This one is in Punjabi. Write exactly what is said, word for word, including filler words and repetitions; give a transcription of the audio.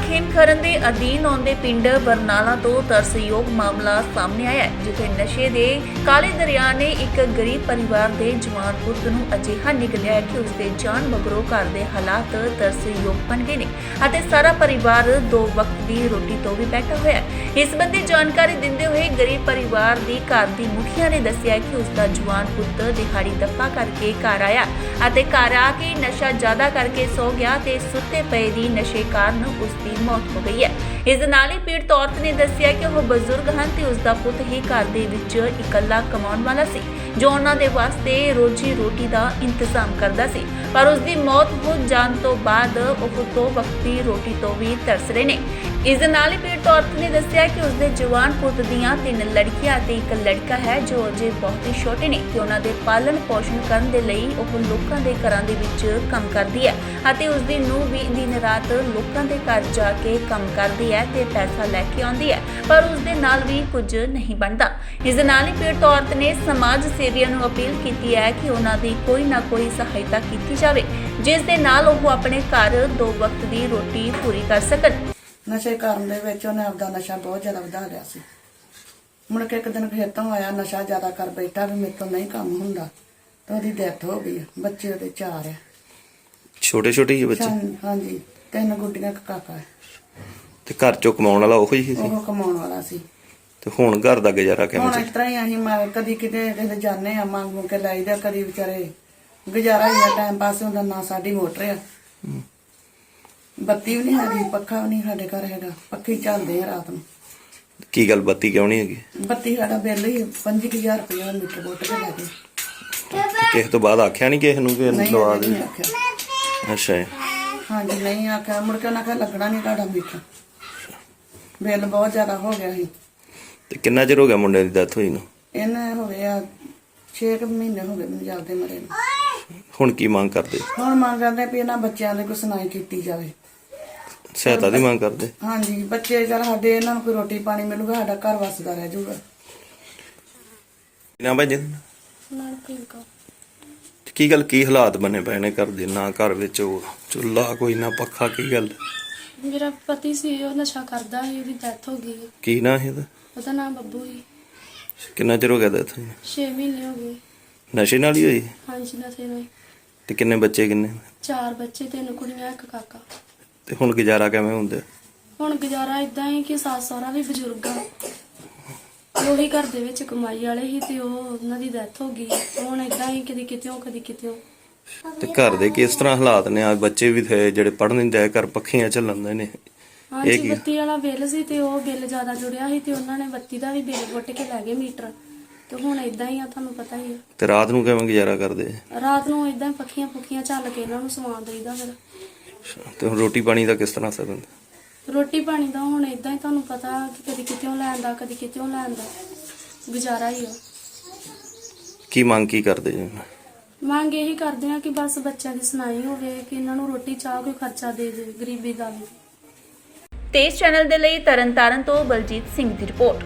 ਖੇਮਕਰਨ ਦੇ ਅਧੀਨ ਆਉਂਦੇ ਪਿੰਡ ਬਰਨਾਲਾ ਤੋਂ ਤਰਸਯੋਗ ਮਾਮਲਾ ਸਾਹਮਣੇ ਆਇਆ ਹੈ, ਜਿੱਥੇ ਨਸ਼ੇ ਦੇ ਕਾਲੇ ਦਰਿਆ ਨੇ ਇੱਕ ਗਰੀਬ ਪਰਿਵਾਰ ਦੇ ਜਵਾਨ ਪੁੱਤ ਨੂੰ ਅਜਿਹਾ ਨਿਗਲਿਆ ਹੈ ਕਿ ਉਸ ਦੇ ਜਾਨ ਮਗਰੋਂ ਘਰ ਦੇ ਹਾਲਾਤ ਤਰਸਯੋਗ ਬਣ ਗਏ ਨੇ ਅਤੇ ਸਾਰਾ ਪਰਿਵਾਰ ਦੋ ਵਕਤ ਦੀ ਰੋਟੀ ਤੋਂ ਵੀ ਬੈਠਾ ਹੋਇਆ ਹੈ। ਇਸ ਸੰਬੰਧੀ ਜਾਣਕਾਰੀ ਦਿੰਦੇ ਹੋਏ ਗਰੀਬ ਪਰਿਵਾਰ ਦੀ ਘਰ ਦੀ ਮੁਖੀਆ ਨੇ ਦੱਸਿਆ ਕਿ ਉਸ ਦਾ ਜਵਾਨ ਪੁੱਤ ਦਿਹਾੜੀ ਦੱਪਾ ਕਰਕੇ ਘਰ ਆਇਆ ਅਤੇ ਘਰ ਆ ਕੇ ਨਸ਼ਾ ਜ਼ਿਆਦਾ ਕਰਕੇ ਸੋ ਗਿਆ ਤੇ ਸੁੱਤੇ ਪਏ ਦੀ ਨਸ਼ੇ ਕਾਰਨ ਉਸ ਦੀ ਮੌਤ ਹੋ ਗਈ ਹੈ। ਇਸ ਦੇ ਨਾਲ ਹੀ ਪੀੜਤ ਔਰਤ ਨੇ ਦੱਸਿਆ ਕਿ ਉਹ ਬਜ਼ੁਰਗ ਹਨ ਤੇ ਉਸ ਦਾ ਪੁੱਤ ਹੀ ਘਰ ਦੇ ਵਿੱਚ ਇਕੱਲਾ ਕਮਾਉਣ ਵਾਲਾ ਸੀ, ਜੋ ਉਹਨਾਂ ਦੇ ਵਾਸਤੇ ਰੋਜੀ ਰੋਟੀ ਦਾ ਇੰਤਜ਼ਾਮ ਕਰਦਾ ਸੀ, ਪਰ ਉਸ ਦੀ ਮੌਤ ਹੋ ਜਾਣ ਤੋਂ ਬਾਅਦ ਉਹ ਦੋ ਵਕਤ ਦੀ ਰੋਟੀ ਤੋਂ ਵੀ ਤਰਸ ਰਹੇ ਨੇ। ਇਸ ਦੇ ਨਾਲ ਹੀ ਪੀੜਤ ਔਰਤ ਨੇ ਦੱਸਿਆ ਕਿ ਉਸ ਦੇ ਜਵਾਨ ਪੁੱਤ ਦੀਆਂ ਤਿੰਨ ਲੜਕੀਆਂ ਅਤੇ ਇੱਕ ਲੜਕਾ ਹੈ, ਜੋ ਅਜੇ ਬਹੁਤ ਹੀ ਛੋਟੇ ਨੇ ਤੇ ਉਹਨਾਂ ਦੇ ਪਾਲਣ ਪੋਸ਼ਣ ਕਰਨ ਦੇ ਲਈ ਉਹ ਲੋਕਾਂ ਦੇ ਘਰਾਂ ਦੇ ਵਿੱਚ ਕੰਮ ਕਰਦੀ ਹੈ ਅਤੇ ਉਸ ਦੀ ਨੂੰਹ ਵੀ ਦਿਨ ਰਾਤ ਲੋਕਾਂ ਦੇ ਘਰ ਜਾ ਕੇ ਕੰਮ ਕਰਦੀ ਹੈ ਤੇ ਪੈਸਾ ਲੈ ਕੇ ਆਉਂਦੀ ਹੈ, ਪਰ ਉਸ ਦੇ ਨਾਲ ਵੀ ਕੁਝ ਨਹੀਂ ਬਣਦਾ। ਇਸ ਦੇ ਨਾਲ ਹੀ ਪੀੜਤ ਔਰਤ ਨੇ ਸਮਾਜ ਸੇਵੀਆਂ ਨੂੰ ਅਪੀਲ ਕੀਤੀ ਹੈ ਕਿ ਉਹਨਾਂ ਦੀ ਕੋਈ ਨਾ ਕੋਈ ਸਹਾਇਤਾ ਕੀਤੀ ਜਾਵੇ, ਜਿਸ ਦੇ ਨਾਲ ਉਹ ਆਪਣੇ ਘਰ ਦੋ ਵਕਤ ਦੀ ਰੋਟੀ ਪੂਰੀ ਕਰ ਸਕਣ। ਨਸ਼ੇ ਕਰਨ ਦੇ ਵਿੱਚ ਉਹਨੇ ਆਪਦਾ ਨਸ਼ਾ ਬਹੁਤ ਜ਼ਿਆਦਾ ਵਧਾ ਲਿਆ ਸੀ। ਮੁੜ ਕੇ ਇੱਕ ਦਿਨ ਫਿਰ ਤੋਂ ਆਇਆ, ਨਸ਼ਾ ਜ਼ਿਆਦਾ ਕਰ ਬੈਠਾ ਵੀ ਮੇਰੇ ਤੋਂ ਨਹੀਂ ਕੰਮ ਹੁੰਦਾ, ਤੇ ਉਹਦੀ ਡੈਥ ਹੋ ਗਈ। ਬੱਚੇ ਉਹਦੇ ਚਾਰ ਆ, ਛੋਟੇ ਛੋਟੇ ਹੀ ਬੱਚੇ। ਹਾਂਜੀ, ਤਿੰਨ ਗੁੱਡੀਆਂ, ਇੱਕ ਕਾਕਾ ਹੈ। ਤੇ ਘਰ ਚੋਂ ਕਮਾਉਣ ਵਾਲਾ ਉਹੀ ਸੀ? ਉਹ ਕਮਾਉਣ ਵਾਲਾ ਸੀ। ਤੇ ਹੁਣ ਘਰ ਦਾ ਗੁਜ਼ਾਰਾ ਕਿਵੇਂ ਹੁਣ ਚੱਲ? ਇਸ ਤਰ੍ਹਾਂ ਹੀ ਅਸੀਂ ਮ- ਕਦੀ ਕਿਤੇ ਕਿਤੇ ਜਾਂਦੇ ਆ, ਮੰਗ ਮੁੰਗ ਕੇ ਲਾਈਦਾ, ਕਦੀ ਵਿਚਾਰੇ ਗੁਜ਼ਾਰਾ ਹੀ ਆ, ਟਾਈਮ ਪਾਸ ਹੁੰਦਾ। ਨਾ ਸਾਡੀ ਮੋਟਰ ਆ, ਬੱਤੀ ਵੀ ਨਹੀਂ ਹੈਗੀ, ਪੱਖਾ ਵੀ ਨਹੀਂ ਸਾਡੇ ਘਰ ਹੈਗਾ, ਪੱਖੀ ਚੱਲਦੇ ਆ ਰਾਤ ਨੂੰ। ਕੀ ਗੱਲ ਬੱਤੀ ਕਿਉਂ ਨਹੀਂ ਹੈਗੀ? ਬੱਤੀ ਸਾਡਾ ਬਿੱਲ ਹੀ ਪੰਜੀ ਹਜ਼ਾਰ ਰੁਪਇਆ ਮੀਟਰ ਬੋਟ ਕੇ ਲੈ ਗਏ। ਤੇ ਕਿਸੇ ਤੋਂ ਬਾਅਦ ਆਖਿਆ ਨਹੀਂ ਕਿਸੇ ਨੂੰ ਕਿ ਇਹਨੂੰ ਨਹੀਂ ਲਵਾ ਅਸੀਂ ਦੇ? ਨਹੀਂ ਆਖਿਆ। ਅੱਛਾ ਜੀ। ਹਾਂਜੀ, ਨਹੀਂ ਆਖਿਆ। ਮੁੜ ਕੇ ਉਹਨਾਂ ਆਖਿਆ ਲੱਗਣਾ ਨਹੀਂ ਤੁਹਾਡਾ ਮੀਟਰ, ਬਿੱਲ ਬਹੁਤ ਜ਼ਿਆਦਾ ਹੋ ਗਿਆ ਸੀ। ਤੇ ਕਿੰਨਾ ਚਿਰ ਹੋ ਗਿਆ ਮੁੰਡੇ ਦੀ ਡੈਥ ਹੋਈ ਨੂੰ? ਇਹਨੇ ਹੋ ਗਿਆ ਛੇ ਕੁ ਮਹੀਨੇ ਹੋ ਗਏ ਮੈਨੂੰ ਜਾਂਦੇ ਮਰੇ ਨੂੰ। ਹੁਣ ਕੀ ਮੰਗ ਕਰਦੇ? ਹੁਣ ਮੰਗ ਕਰਦੇ ਵੀ ਇਹਨਾਂ ਬੱਚਿਆਂ ਦੀ ਕੋਈ ਸੁਣਾਈ ਕੀਤੀ ਜਾਵੇ, ਸਹਾਇਤਾ ਦੀ ਮੰਗ ਕਰਦੇ? ਹਾਂਜੀ, ਬੱਚੇ ਚੱਲ ਸਾਡੇ, ਇਹਨਾਂ ਨੂੰ ਕੋਈ ਰੋਟੀ ਪਾਣੀ ਮਿਲੂਗਾ, ਸਾਡਾ ਘਰ ਵਸਦਾ ਰਹਿ ਜਾਊਗਾ। ਨਾ ਭਾਈ ਜੀ, ਕੀ ਗੱਲ, ਕੀ ਹਾਲਾਤ ਬਣੇ ਪਏ ਨੇ ਘਰ ਦੇ? ਨਾ ਘਰ ਵਿੱਚ ਉਹ ਚੁੱਲ੍ਹਾ ਕੋਈ, ਨਾ ਪੱਖਾ, ਕੀ ਗੱਲ? ਮੇਰਾ ਪਤੀ ਸੀ, ਉਹ ਨਸ਼ਾ ਕਰਦਾ ਸੀ, ਉਹਦੀ ਡੈਥ ਹੋ ਗਈ। ਕੀ ਨਾਂ ਸੀ ਇਹਦਾ? ਉਹਦਾ ਨਾਮ ਬੱਬੂ ਸੀ। ਕਿੰਨਾ ਚਿਰ ਹੋ ਗਿਆ ਡੈਥ ਹੋਈ? ਛੇ ਮਹੀਨੇ ਹੋ ਗਏ। ਨਸ਼ੇ ਨਾਲ ਹੀ ਹੋਈ? ਹਾਂਜੀ, ਨਸ਼ੇ ਨਾਲ। ਤੇ ਕਿੰਨੇ ਬੱਚੇ ਕਿੰਨੇ? ਚਾਰ ਬੱਚੇ, ਤਿੰਨ ਕੁੜੀਆਂ, ਇੱਕ ਕਾਕਾ। ਤੇ ਹੁਣ ਗੁਜ਼ਾਰਾ ਕਿਵੇਂ ਹੁੰਦਾ? ਹੁਣ ਗੁਜ਼ਾਰਾ ਇਦਾਂ ਹੀ ਕਿ ਸੱਸ ਸਹੁਰਾ ਵੀ ਬਜ਼ੁਰਗ ਆ, ਉਹੀ ਘਰ ਦੇ ਵਿੱਚ ਕਮਾਈ ਵਾਲੇ ਸੀ ਤੇ ਉਹ ਉਹਨਾਂ ਦੀ ਡੈਥ ਹੋ ਗਈ। ਹੁਣ ਇਦਾਂ ਹੀ ਕਦੀ ਕਿਤਿਓਂ ਕਦੀ ਕਿਤਿਓਂ। ਤੇ ਘਰ ਦੇ ਕਿਸ ਤਰ੍ਹਾਂ ਹਾਲਾਤ ਨੇ? ਆ ਬੱਚੇ ਵੀ ਥੇ ਜਿਹੜੇ ਪੜ੍ਹਨ ਨਹੀਂ ਜਾਏ, ਘਰ ਪੱਖੀਆਂ ਚੱਲਣ ਨੇ। ਹਾਂਜੀ, ਕੀ? ਬੱਤੀ ਵਾਲਾ ਬਿੱਲ ਸੀ ਤੇ ਉਹ ਬਿੱਲ ਜ਼ਿਆਦਾ ਜੁੜਿਆ ਸੀ ਤੇ ਉਹਨਾਂ ਨੇ ਬੱਤੀ ਦਾ ਵੀ ਬਿੱਲ ਪੁੱਟ ਕੇ ਲੈ ਗਏ ਮੀਟਰ। ਤੇ ਹੁਣ ਇਦਾਂ ਹੀ ਆ, ਤੁਹਾਨੂੰ ਪਤਾ ਹੀ ਆ। ਤੇ ਰਾਤ ਨੂੰ ਕਿਵੇਂ ਗੁਜ਼ਾਰਾ ਕਰਦੇ? ਰਾਤ ਨੂੰ ਇਦਾਂ ਹੀ ਪੱਖੀਆਂ ਪੁੱਖੀਆਂ ਚੱਲ ਕੇ ਇਹਨਾਂ ਨੂੰ ਸਮਾਨ ਦੇਈਦਾ। ਫਿਰ ਤੇ ਹੁਣ ਰੋਟੀ ਪਾਣੀ ਦਾ ਕਿਸ ਤਰ੍ਹਾਂ ਸਰਦਾ? ਰੋਟੀ ਪਾਣੀ ਦਾ ਹੁਣ ਇਦਾਂ ਹੀ, ਤੁਹਾਨੂੰ ਪਤਾ ਕਿ ਕਦੀ ਕਿਤਿਓਂ ਲੈਣ ਦਾ, ਕਦੀ ਕਿਤਿਓਂ ਲੈਣ ਦਾ ਗੁਜ਼ਾਰਾ ਹੀ ਆ। ਕੀ ਮੰਗ ਕੀ ਕਰਦੇ ਜੀ? ਮੰਗ ਇਹੀ ਕਰਦੇ ਆ ਕਿ ਬਸ ਬੱਚਿਆਂ ਦੀ ਸੁਣਾਈ ਹੋਵੇ, ਕਿ ਇਹਨਾਂ ਨੂੰ ਰੋਟੀ ਚਾਹ ਕੋਈ ਖਰਚਾ ਦੇ ਦੇ, ਗਰੀਬੀ ਦਾ ਵੀ। ਤੇਜ਼ ਚੈਨਲ ਦੇ ਲਈ ਤਰਨਤਾਰਨ ਤੋਂ ਬਲਜੀਤ ਸਿੰਘ ਦੀ ਰਿਪੋਰਟ।